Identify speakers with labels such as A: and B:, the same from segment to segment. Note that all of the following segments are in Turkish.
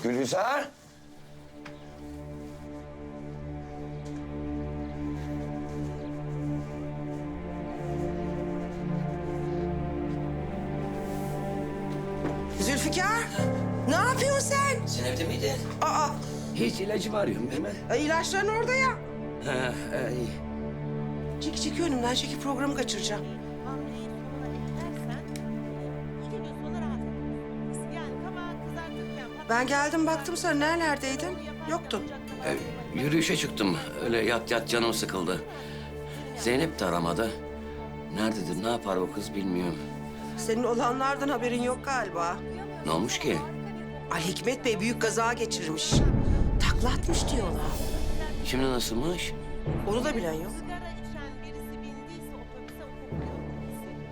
A: Gülizar.
B: Zülfikar, ne yapıyorsun sen?
A: Sen evde miydin?
B: Aa,
A: Hiç ilacımı arıyorum değil mi?
B: ilaçların orada ya.
A: Ha, iyi.
B: Çek önümden, çeki programı kaçıracağım.
C: Hamleyi sonuna eklersen 2 gün sonra rahat edersin. Yani kabağı kızartırken...
B: Ben geldim baktım sen nerelerdeydin? Yoktun.
A: Yürüyüşe çıktım. Öyle yat canım sıkıldı. Zeynep de aramadı. Nerededir, ne yapar o kız bilmiyorum.
B: Senin olanlardan haberin yok galiba.
A: Ne olmuş ki?
B: Ali Hikmet Bey büyük kaza geçirmiş. Takla atmış diyorlar.
A: Şimdi nasılmış?
B: Onu da bilen yok.
C: Sigara içen birisi bindiyse otobüse o kokuyu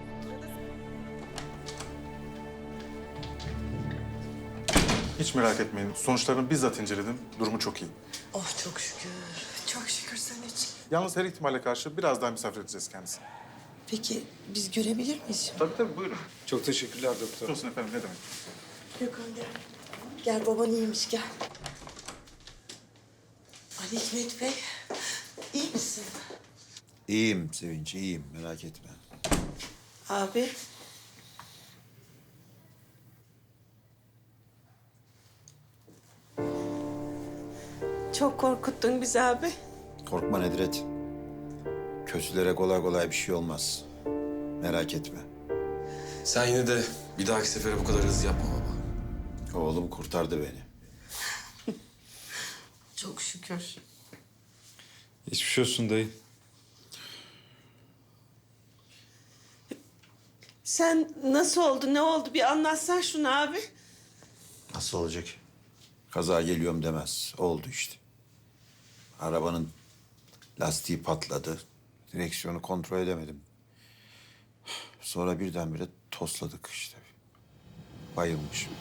C: hissedecek.
D: Hiç merak etmeyin. Sonuçlarını bizzat inceledim. Durumu çok iyi.
B: Oh çok şükür. Çok şükür sen için.
D: Yalnız her ihtimale karşı biraz daha misafir edeceğiz kendisini.
B: Peki biz görebilir miyiz?
D: Tabii buyurun.
E: Çok teşekkürler doktor.
D: Olsun efendim ne demek.
B: Gökhan gel. Gel baban iyiymiş gel. Ali Hikmet Bey, iyi misin?
F: İyiyim Sevinç, iyiyim. Merak etme.
B: Abi. Çok korkuttun bizi abi.
F: Korkma Nedret. Kötülere kolay kolay bir şey olmaz. Merak etme.
E: Sen yine de bir dahaki sefere bu kadar hızlı yapma baba.
F: Oğlum kurtardı beni.
B: Çok şükür.
E: Geçmiş olsun dayı.
B: Sen nasıl oldu, ne oldu? Bir anlatsan şunu abi.
F: Nasıl olacak? Kaza geliyorum demez. Oldu işte. Arabanın lastiği patladı. Direksiyonu kontrol edemedim. Sonra birdenbire tosladık işte. Bayılmışım.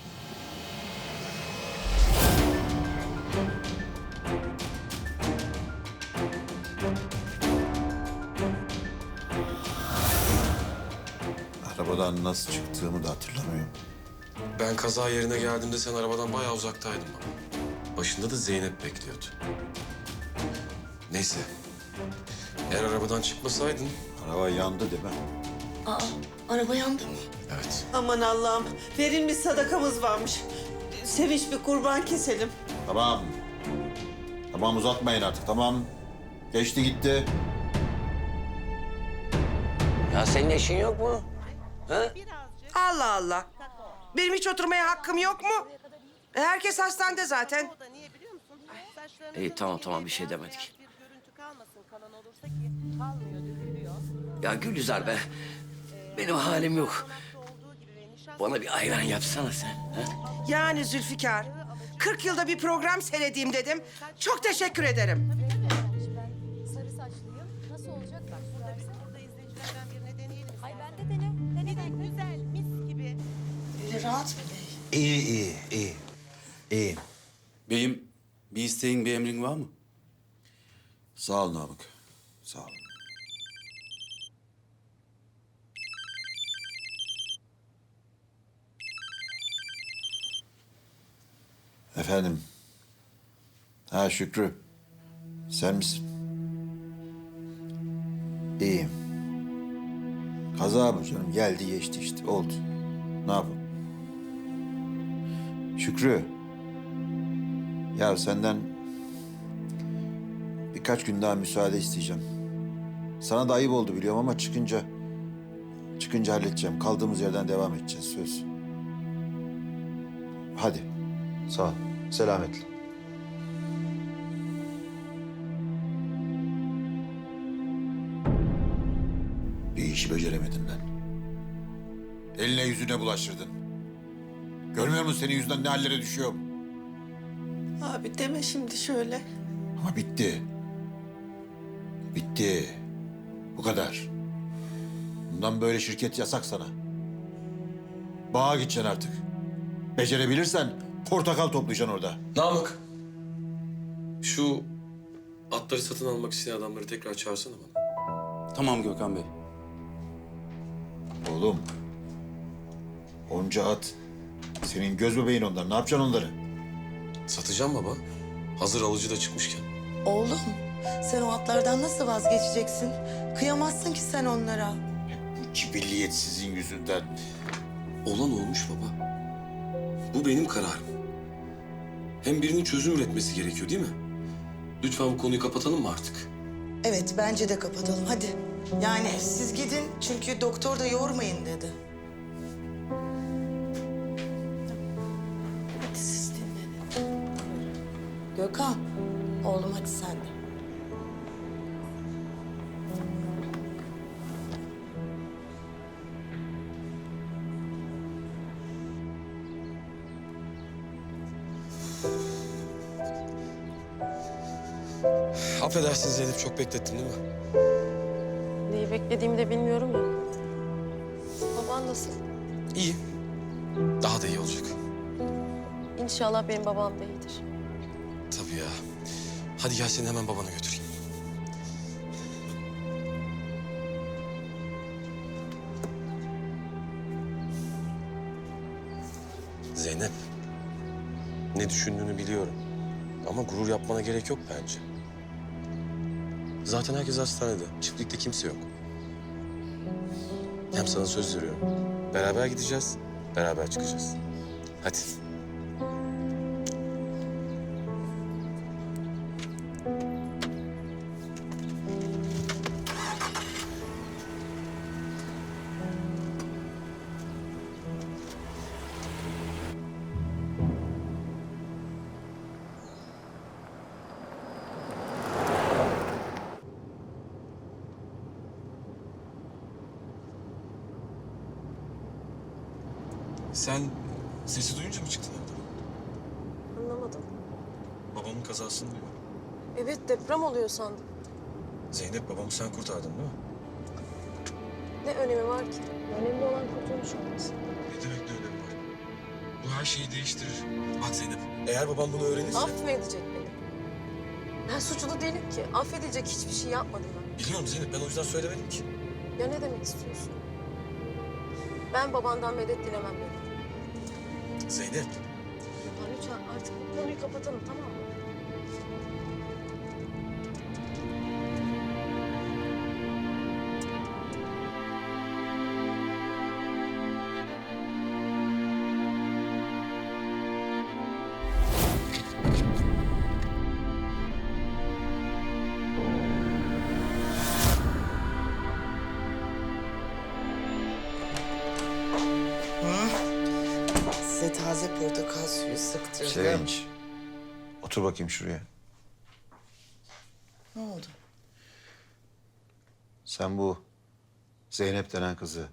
F: Arabadan nasıl çıktığımı da hatırlamıyorum.
E: Ben kaza yerine geldiğimde sen arabadan bayağı uzaktaydın baba. Başında da Zeynep bekliyordu. Neyse. Eğer arabadan çıkmasaydın...
F: Araba yandı değil mi?
B: Araba yandı mı?
E: Evet.
B: Aman Allah'ım, verilmiş sadakamız varmış. Sevinç bir kurban keselim.
F: Tamam. Tamam uzatmayın artık tamam. Geçti gitti.
A: Ya senin eşin yok mu? Ha?
C: Birazcık
B: Allah Allah. Benim hiç oturmaya hakkım yok mu? Herkes hastanede zaten.
C: o da niye biliyor musun? Saçlarını
A: İyi, tamam, bir şey demedik.
C: bir görüntü kalmasın kalan olursa ki kalmıyor, dökülüyor.
A: Ya Gülizar be. Benim halim yok.
C: Olduğu gibi ve nişasta
A: Bana bir ayran yapsana sen. Ha?
B: Yani Zülfikar, 40 yılda bir program seyredeyim dedim. Çok teşekkür ederim.
G: Ben sarı saçlıyım. Nasıl olacak? Bak burada bir
C: burada izleyicilerden birine deneyelim.
G: Ay ben de dene. Dene dene.
C: Güzel, mis gibi.
B: Öyle rahat mı bey?
F: İyi.
H: Beyim, bir isteğin, bir emrin var mı?
F: Sağ ol Namık. Sağ ol. Efendim. Ha Şükrü. Sen misin? İyiyim. Kaza bu canım. Geldi geçti işte. Oldu. Ne yapalım? Şükrü. Ya senden birkaç gün daha müsaade isteyeceğim. Sana da ayıp oldu biliyorum ama çıkınca halledeceğim. Kaldığımız yerden devam edeceğiz söz. Hadi. Sağ ol. Selametle. Bir işi beceremedin lan. Eline yüzüne bulaştırdın. Görmüyor musun senin yüzünden ne hallere düşüyorum?
B: Abi deme şimdi şöyle.
F: Ama bitti. Bitti. Bu kadar. Bundan böyle şirket yasak sana. Bağa gideceksin artık. Becerebilirsen portakal toplayacaksın orada.
E: Namık. Şu atları satın almak isteyen adamları tekrar çağırsana bana.
H: Tamam Gökhan Bey.
F: Oğlum. Onca at. Senin göz bebeğin onlar. Ne yapacaksın onları?
E: Satacağım baba. Hazır alıcı da çıkmışken.
I: Oğlum, sen o atlardan nasıl vazgeçeceksin? Kıyamazsın ki sen onlara.
F: Bu cibilliyet sizin yüzünden.
E: Olan olmuş baba. Bu benim kararım. Hem birinin çözüm üretmesi gerekiyor değil mi? Lütfen bu konuyu kapatalım mı artık?
I: Evet, bence de kapatalım. Hadi. Yani siz gidin çünkü doktor da yormayın dedi. Hadi siz dinlenin. Gökhan, oğlum hadi sen de.
E: Affedersin Zeynep, çok beklettin değil mi?
G: Neyi beklediğimi de bilmiyorum ya. Baban nasıl?
E: İyi. Daha da iyi olacak.
G: İnşallah benim babam da iyidir.
E: Tabii ya. Hadi gel seni hemen babana götüreyim. Zeynep. Ne düşündüğünü biliyorum. Ama gurur yapmana gerek yok bence. Zaten herkes hastanede. Çiftlikte kimse yok. Hem sana söz veriyorum. Beraber gideceğiz, beraber çıkacağız. Hadi. Sen sesi duyunca mı çıktın evden?
G: Anlamadım.
E: Babamın kazasını diyor.
G: Evet, deprem oluyor sandım.
E: Zeynep, babamı sen kurtardın değil mi?
G: Ne önemi var ki? Önemli olan kurtulmuş olması.
E: Ne demek ne önemi var? Bu her şeyi değiştirir. Bak Zeynep, eğer babam bunu öğrenirse...
G: Affedecek beni. Ben suçlu değilim ki. Affedecek hiçbir şey yapmadım ben.
E: Biliyorum Zeynep, ben o yüzden söylemedim ki.
G: Ya ne demek istiyorsun? Ben babandan medet dilemem dedim.
E: Zeynep,
G: Ya lütfen artık bu konuyu kapatalım, tamam mı?
I: Size taze portakal suyu sıktırdım.
F: Sevinç. Otur bakayım şuraya.
I: Ne oldu?
F: Sen bu Zeynep denen kızı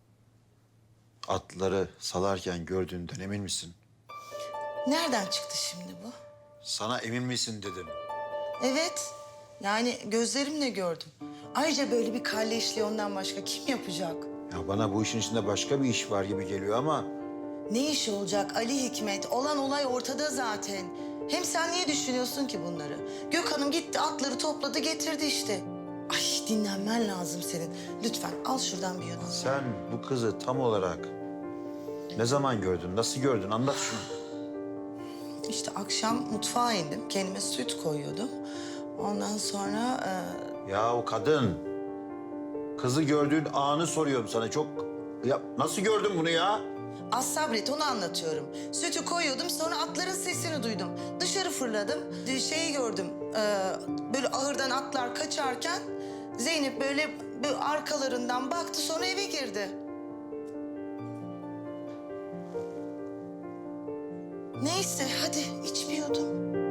F: atları salarken gördüğünden emin misin?
I: Nereden çıktı şimdi bu?
F: Sana emin misin dedim.
I: Evet. Yani gözlerimle gördüm. Ayrıca böyle bir kalleşliği ondan başka kim yapacak?
F: Ya bana bu işin içinde başka bir iş var gibi geliyor ama...
I: Ne işi olacak Ali Hikmet? Olan olay ortada zaten. Hem sen niye düşünüyorsun ki bunları? Gökhan'ım gitti atları topladı getirdi işte. Ay dinlenmen lazım senin. Lütfen al şuradan bir yudum.
F: Sen bu kızı tam olarak ne zaman gördün, nasıl gördün? Anlat şunu.
I: İşte akşam mutfağa indim. Kendime süt koyuyordum. Ondan sonra...
F: Ya o kadın. Kızı gördüğün anı soruyorum sana. Çok... Ya nasıl gördün bunu ya?
I: Az sabret onu anlatıyorum. Sütü koyuyordum sonra atların sesini duydum. Dışarı fırladım. Şeyi gördüm. Böyle ahırdan atlar kaçarken Zeynep böyle arkalarından baktı sonra eve girdi. Neyse hadi iç bir yudum.